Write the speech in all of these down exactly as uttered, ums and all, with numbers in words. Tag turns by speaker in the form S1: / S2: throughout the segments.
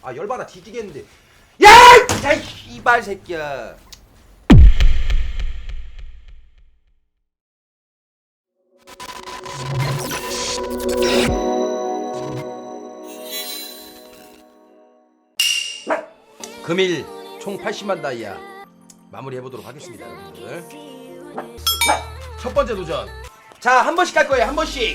S1: 아 열받아 뒤지겠는데. 야! 야 이발 새끼야. 금일 총 팔십만 다이아 마무리 해보도록 하겠습니다, 여러분들. 첫 번째 도전. 자, 한 번씩 할 거예요, 한 번씩.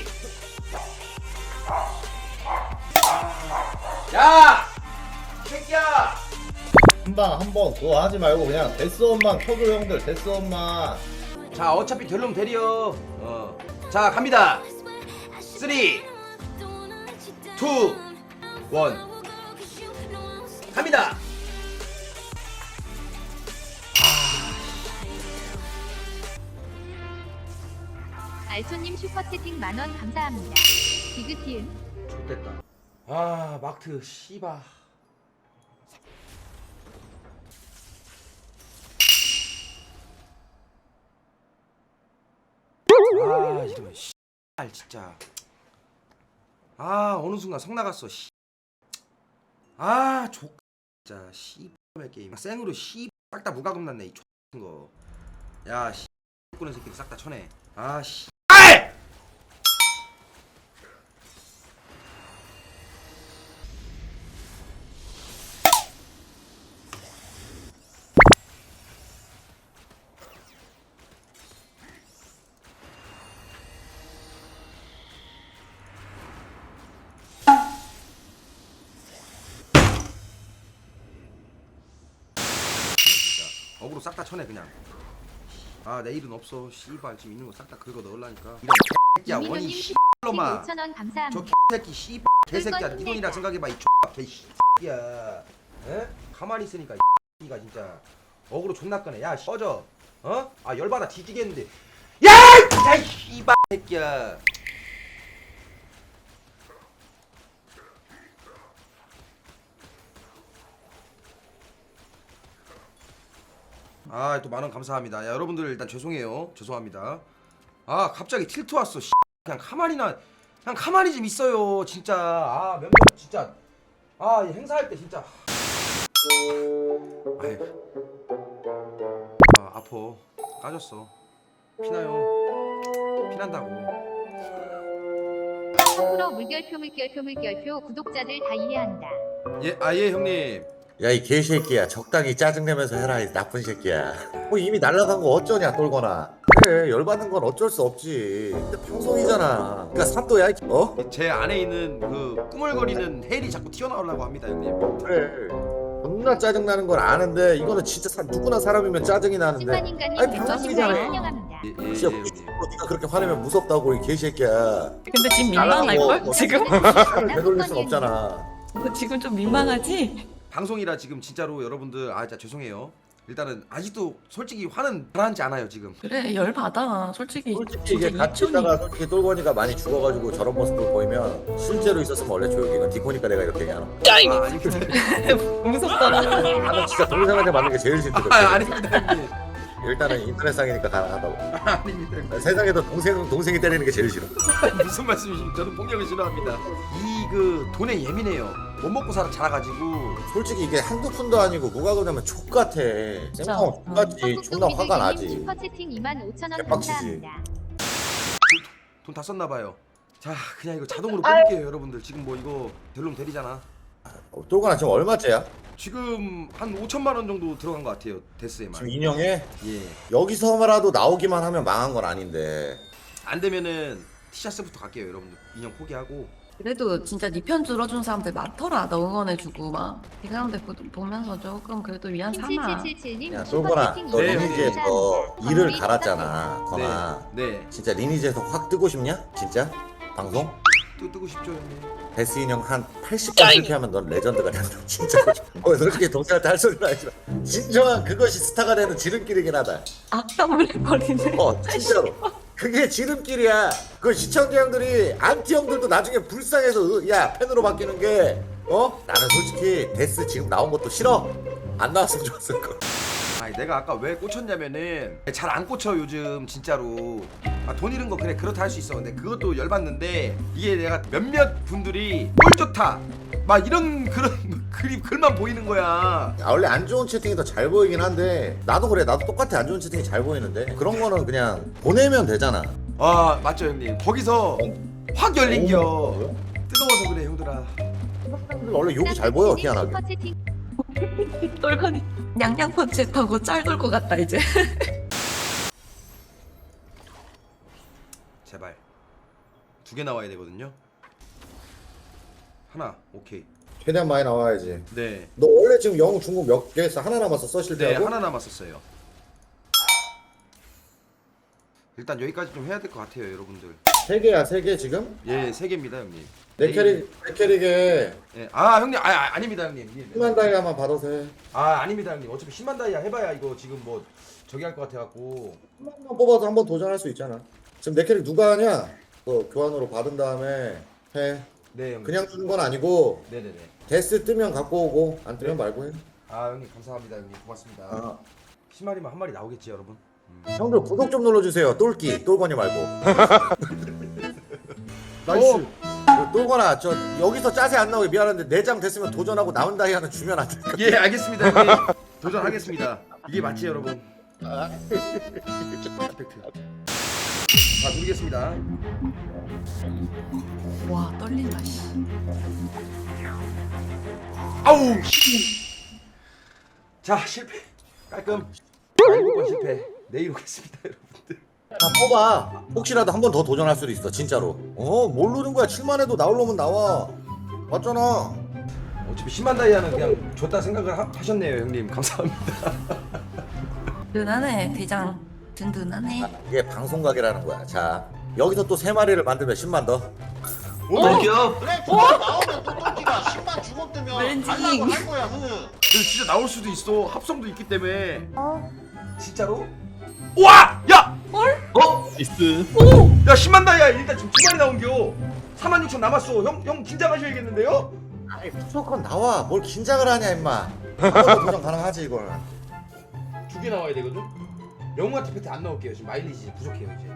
S1: 야, 이 새끼야.
S2: 한방 한 번 그거 하지 말고 그냥 데스원만 쳐줘 형들. 데스원만.
S1: 자, 어차피 될놈 되려. 어. 자, 갑니다. 쓰리, 투, 원. 갑니다.
S3: 알소님 슈퍼채팅 만원 감사합니다. 디귿티은
S1: 좋됐다. 아, 막트 씨바. 아, 이러면 씨발 진짜. 아, 어느 순간 성 나갔어. 씨. 아, 족 진짜 씨발 게임. 생으로 씨싹 다 무과금 났네 이 X 거. 야, 씨 꾸는 새끼들 싹 다 쳐내. 아, 씨. 어그로 싹 다 쳐내 그냥. 아, 내일은 없어. 씨발 지금 있는 거 싹 다 긁어 넣으려니까. 이런 개새끼야 원이
S3: 이민호님
S1: 씨발로마.
S3: 오천 원 감사합니다.
S1: 저 개새끼 씨발 개새끼야. 네 돈이라 생각해봐 이 개새끼야. 에? 가만히 있으니까 이 새끼가 진짜 어그로 존나 꺼네. 야 꺼져. 어? 아 열받아 뒤지겠는데. 야! 야 이 씨발 새끼야. 아, 또 만원 감사합니다. 야, 여러분들 일단 죄송해요. 죄송합니다. 아, 갑자기 틸트 왔어. 씨. 그냥 가만히나 그냥 가만히 좀 있어요. 진짜. 아, 멤버 진짜. 아, 이 행사할 때 진짜. 아유. 아, 아파. 까졌어. 피나요. 피난다고.
S3: 프로 물결표 물결표 물결표 구독자들 다 이해한다.
S1: 예, 아, 예, 형님.
S2: 야 이 개새끼야 적당히 짜증내면서 해라 이 나쁜 새끼야. 뭐 이미 날라간 거 어쩌냐 똘거나. 그래 열받는 건 어쩔 수 없지. 근데 방송이잖아. 그러니까 사또야 이- 어?
S1: 제 안에 있는 그 꾸물거리는 헬이 자꾸 튀어나오려고 합니다, 형님.
S2: 그래 존나 짜증나는 건 아는데 이거는 진짜 사, 누구나 사람이면 짜증이 나는데.
S3: 신관인간님
S2: 아니,
S3: 백오십 원
S2: 방송이잖아.
S3: 환영합니다.
S1: 예, 예, 예,
S2: 진짜
S1: 형님.
S2: 네가 그렇게 화내면 무섭다고 이 개새끼야.
S4: 근데 지금 민망할걸?
S2: 뭐,
S4: 지금?
S2: 차를 되돌릴 순 없잖아.
S4: 너 지금 좀 민망하지?
S1: 방송이라 지금 진짜로 여러분들 아 진짜 죄송해요. 일단은 아직도 솔직히 화는 가라앉지 않아요 지금.
S4: 그래 열받아 솔직히.
S2: 솔직히 이게
S4: 진짜
S2: 같이
S4: 이천이
S2: 있다가 솔직히 똘거니가 많이 죽어가지고 저런 모습을 보이면 실제로 있었으면 원래 조용히. 이건 디코니까 내가 이렇게 얘기하는 거야.
S1: 아, 아닙니다.
S4: 무섭잖아.
S2: 나는 진짜 동생한테 맞는 게 제일 싫거든.
S1: 아, 아닙니다 형님.
S2: 일단은 인터넷상이니까 가능하다고.
S1: 아, 아닙니다 형님.
S2: 세상에도 동생 동생이 때리는 게 제일 싫어.
S1: 무슨 말씀이십니까? 저는 폭력을 싫어합니다. 이 그 돈에 예민해요. 못 먹고 살아 자라가지고.
S2: 솔직히 이게 한두 푼도 아니고 무과금 내면 족 같아. 생방 족 같지. 존나 화가 나지.
S3: 슈퍼채팅 이만 오천 원
S2: 개빡치지.
S3: 감사합니다.
S1: 돈 다 썼나 봐요. 자 그냥 이거 자동으로 끊을게요 여러분들. 지금 뭐 이거 별놈 대리잖아.
S2: 어, 똘거나 지금 얼마째야?
S1: 지금 한 오천만 원 정도 들어간 것 같아요 데스에만.
S2: 지금 인형에
S1: 예.
S2: 여기서라도 나오기만 하면 망한 건 아닌데.
S1: 안 되면은 티셔츠부터 갈게요 여러분들. 인형 포기하고.
S4: 그래도 진짜 네 편 들어준 사람들 많더라. 너 응원해주고 막. 이 사람들 보- 보면서 조금 그래도 위안 삼아.
S3: 칠칠칠칠님
S2: 야 똘거나
S3: 슈퍼채팅
S2: 너
S1: 네,
S3: 이만 원
S2: 리니지에서
S3: 감사합니다.
S2: 일을
S3: 건물이
S2: 갈았잖아. 거나.
S1: 네. 네.
S2: 진짜 리니지에서 확 뜨고 싶냐? 진짜? 방송?
S1: 또 뜨고 싶죠 형님.
S2: 데스 인형 한 팔십 번 실패하면 넌 레전드가 된다. 진짜. 어, 솔직히 동생한테 할 소리는 아니지만 진정한 그것이 스타가 되는 지름길이긴 하다.
S4: 악담을 해버리네.
S2: 어 진짜로. 그게 지름길이야. 그 시청자 형들이 안티 형들도 나중에 불쌍해서 으, 야 팬으로 바뀌는 게 어? 나는 솔직히 데스 지금 나온 것도 싫어. 안 나왔으면 좋았을 거.
S1: 아 아 내가 아까 왜 꽂혔냐면은 잘 안 꽂혀 요즘 진짜로. 아, 돈 잃은 거 그래 그렇다 할 수 있어. 근데 그것도 열받는데 이게 내가 몇몇 분들이 꼴 좋다 막 이런 그런 그림 글만 보이는 거야.
S2: 아, 원래 안 좋은 채팅이 더 잘 보이긴 한데 나도 그래. 나도 똑같아. 안 좋은 채팅이 잘 보이는데 그런 거는 그냥 보내면 되잖아.
S1: 아 맞죠 형님. 거기서 확 열린겨.
S2: 어?
S1: 뜨거워서 그래 형들아.
S2: 원래 욕이 잘 보여 희한하게.
S4: 똘건이 냥냥 펀치하고 짤 돌 것 같다 이제.
S1: 제발 두 개 나와야 되거든요. 하나 오케이.
S2: 최대한 많이 나와야지.
S1: 네.
S2: 너 원래 지금 영웅 중국 몇 개 했어? 하나 남았어 써실
S1: 네
S2: 때하고?
S1: 하나 남았었어요. 일단 여기까지 좀 해야 될 것 같아요 여러분들.
S2: 세 개야 세 개 지금?
S1: 예 세 개입니다 형님.
S2: 내 캐릭 내 캐릭에
S1: 예. 아 형님 아, 아 아닙니다 형님. 예, 네.
S2: 십만 다이아만 받아서 해.
S1: 아 아닙니다 형님. 어차피 십만 다이아 해봐야 이거 지금 뭐 저기 할 것 같아갖고.
S2: 십만만 뽑아서 한번 도전할 수 있잖아. 지금 내 캐릭 누가 하냐? 너 교환으로 받은 다음에 해.
S1: 네 형님.
S2: 그냥 주는 건 아니고
S1: 네네네.
S2: 데스 뜨면 갖고 오고 안 뜨면 말고 해.
S1: 아 형님 감사합니다 형님 고맙습니다.
S2: 아.
S1: 십 마리만 한 마리 나오겠지 여러분. 음.
S2: 형들 구독 좀 눌러주세요. 똘끼 똘거니 말고.
S1: 나이스.
S2: 어, 똘거나 저 여기서 짜세 안 나오게 미안한데 내장 됐으면 도전하고 나온 다이아는 주면 안 될까?
S1: 예 알겠습니다 형님. 도전하겠습니다. 이게 맞지 여러분?
S2: 아.
S1: 퍼펙트. 자 누르겠습니다.
S4: 와 떨린다 씨.
S1: 아우. 자 실패. 깔끔. 일곱 번 실패. 내일 오겠습니다 여러분들.
S2: 다 뽑아. 혹시라도 한 번 더 도전할 수도 있어 진짜로. 어 모르는 거야. 칠만 해도 나올 놈은 나와. 맞잖아.
S1: 어차피 십만 다이아는 그냥 줬다 생각을 하, 하셨네요 형님. 감사합니다.
S4: 든든하네 대장. 든든하네.
S2: 이게 방송각이라는 거야. 자 여기서 또 세 마리를 만들면 십만 더.
S1: 오!
S5: 그래 진짜 나오면 또 똘끼가 십만 주고 뜨면
S4: 왠지.
S5: 달라고 할 거야 흐.
S1: 근데 진짜 나올 수도 있어. 합성도 있기 때문에. 진짜로? 우와! 야!
S4: 헐?
S1: 어?
S6: 나이스.
S1: 오! 야 십만 다이아 일단 지금 두 마리 나온겨. 사만 육천 남았어. 형, 형 긴장하셔야겠는데요?
S2: 아니 무조건 나와. 뭘 긴장을 하냐 임마. 한 번 더 도전 가능하지 이걸.
S1: 두 개 나와야 되거든? 영웅 아티팩트 안 나올게요. 지금 마일리지 부족해요 이제.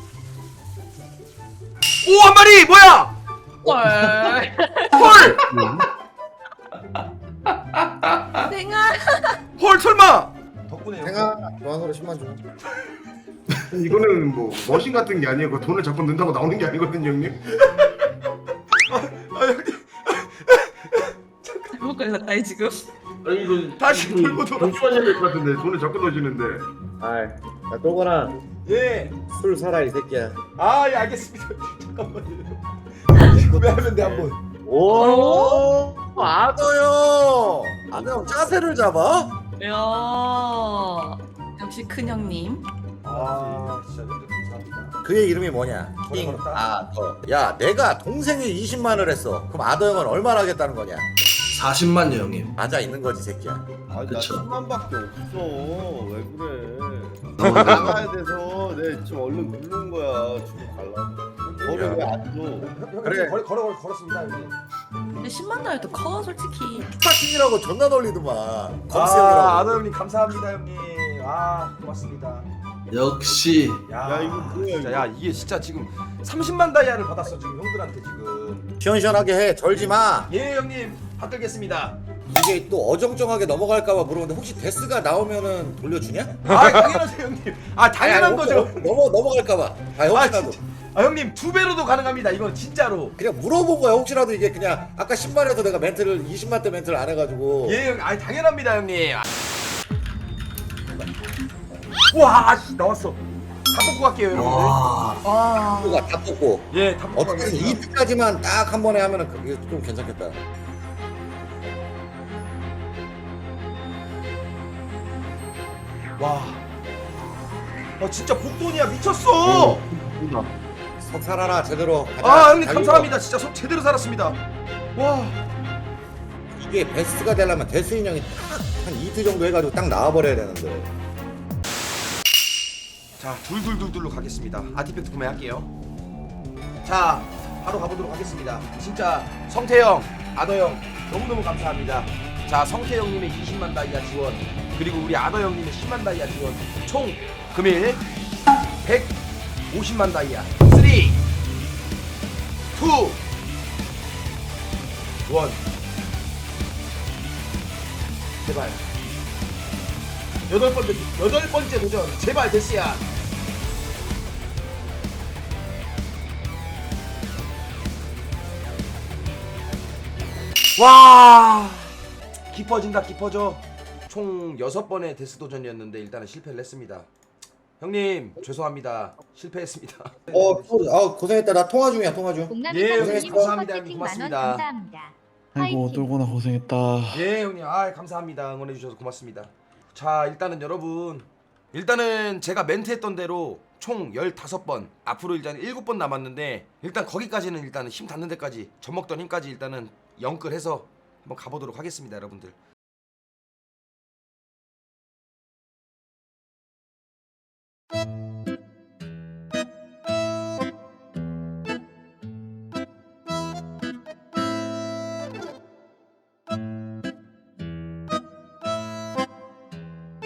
S1: 오! 한 마리! 뭐야!
S4: 헐.
S1: 헐!
S4: 생아.
S1: 헐 설마! 덕분에
S2: 생아 교환으로 십만 줘.
S7: 이거는 뭐 머신 같은 게 아니고 돈을 자꾸 넣는다고 나오는 게 아니거든요 형님.
S1: 아 형님
S4: 잘못 걸렸다 이 지금.
S7: 아니 이거
S1: 다시
S7: 이거
S1: 돌고 돌아.
S7: 동조하셔야 될 것 같은데 돈을 자꾸 넣으시는데.
S2: 아이 야 똘거나
S1: 예.
S2: 술 사라 이 새끼야.
S1: 아 예 알겠습니다. 잠깐만요. 구매하면 돼 한번.
S2: 오 아더요. 아더 짜세를 잡아?
S4: 야 역시 큰 형님.
S1: 아 진짜 형들 감사합니다.
S2: 그의 이름이 뭐냐?
S1: 뭐라
S2: 킹
S1: 그랬다?
S2: 아더. 야 내가 동생이 이십만을 했어. 그럼 아더 형은 얼마나 하겠다는 거냐?
S6: 사십만요 형님.
S2: 맞아 있는 거지 새끼야.
S8: 아나
S6: 그쵸.
S8: 십만밖에 없어. 왜 그래? 나가야 돼서 내 지금 얼른 누른 거야. 지금 갈라고. 거를 왜안 줘?
S1: 형,
S2: 그래.
S1: 그래. 걸어 걸어 걸었습니다 형님.
S4: 근데 십만 달도 커 솔직히.
S2: 스타킹이라고 존나 놀리더만. 검수
S1: 아
S2: 형이라고.
S1: 아더 형님 감사합니다 형님. 아 고맙습니다.
S6: 역시
S1: 야,
S8: 야, 이거 뭐야,
S1: 진짜
S8: 이거.
S1: 야 이게 진짜 지금 삼십만 다이아를 받았어 지금 형들한테 지금.
S2: 시원시원하게 해. 절지 마.
S1: 예 형님 받들겠습니다.
S2: 이게 또 어정쩡하게 넘어갈까봐 물어보는데 혹시 데스가 나오면은 돌려주냐?
S1: 아 당연하죠 형님. 아 당연한
S2: 아니,
S1: 거죠.
S2: 넘어 넘어갈까봐. 아
S1: 아
S2: 혹시라도.
S1: 진짜. 아 형님 두 배로도 가능합니다. 이건 진짜로.
S2: 그냥 물어본 거야. 혹시라도 이게 그냥 아까 십만에서 내가 멘트를 이십만 대 멘트를 안 해가지고.
S1: 예 형. 아 당연합니다 형님. 와 씨, 나왔어. 다 뽑고 갈게요 여러분들.
S6: 와
S4: 와.
S2: 누가 다 뽑고.
S1: 예, 다 뽑고
S2: 어떻게든
S1: 가겠습니다.
S2: 이 피까지만 딱 한 번에 하면은 그게 좀 괜찮겠다.
S1: 와. 아 진짜 복돈이야 미쳤어.
S2: 석 살아라 제대로. 가자.
S1: 아 형님
S2: 달리고.
S1: 감사합니다. 진짜 속 제대로 살았습니다. 와.
S2: 이게 베스트가 되려면 데스 인형이 딱 한 이틀 정도 해가지고 딱 나와버려야 되는데.
S1: 자 둘둘둘둘로 가겠습니다. 아티팩트 구매할게요. 자 바로 가보도록 하겠습니다. 진짜 성태형, 아더형 너무너무 감사합니다. 자 성태형님의 이십만 다이아 지원, 그리고 우리 아더 형님의 십만 다이아 지원 총 금일 백오십만 다이아. 삼, 이, 일. 제발 여덟 번째 여덟 번째 도전 제발 데스야. 와 깊어진다 깊어져. 총 여섯 번의 데스 도전이었는데 일단은 실패를 했습니다. 형님 죄송합니다. 실패했습니다.
S2: 어, 소리. 아, 고생했다. 나 통화 중이야, 통화 중.
S3: 공남이
S1: 예,
S3: 감독님
S1: 감사합니다,
S3: 슈퍼채팅
S1: 고맙습니다.
S3: 만원 감사합니다.
S8: 아이고
S3: 화이팅.
S8: 똘고나 고생했다.
S1: 예 형님 아 감사합니다. 응원해 주셔서 고맙습니다. 자 일단은 여러분 일단은 제가 멘트했던 대로 총 열다섯 번 앞으로 일단 일곱 번 남았는데 일단 거기까지는 일단은 힘 닿는 데까지 젖먹던 힘까지 일단은 영끌해서 한번 가보도록 하겠습니다 여러분들.